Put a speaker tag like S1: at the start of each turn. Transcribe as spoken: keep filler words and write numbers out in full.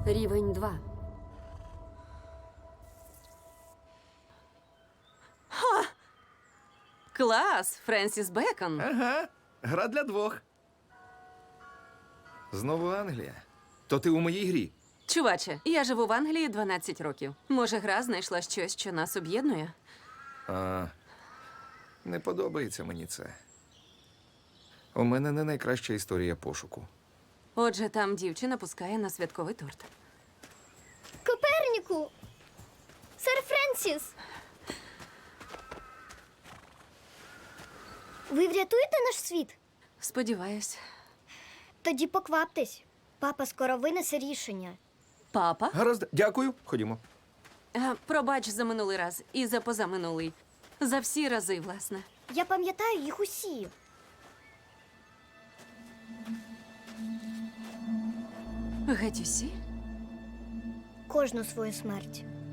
S1: Рівень два.
S2: Клас, Френсіс Бекон.
S3: Ага, гра для двох. Знову Англія. То ти у моїй грі.
S2: Чуваче, я живу в Англії дванадцять років. Може, гра знайшла щось, що нас об'єднує?
S3: А, не подобається мені це. У мене не найкраща історія пошуку.
S2: Отже, там дівчина пускає на святковий торт.
S4: Коперніку! Сер Френсіс! Ви врятуєте наш світ?
S2: Сподіваюсь.
S4: Тоді покваптесь. Папа скоро винесе рішення.
S2: Папа?
S3: Гаразд, дякую. Ходімо.
S2: А, пробач за минулий раз і за позаминулий. За всі рази, власне.
S4: Я пам'ятаю їх усі.
S2: Геть усі?
S4: Кожну свою смерть.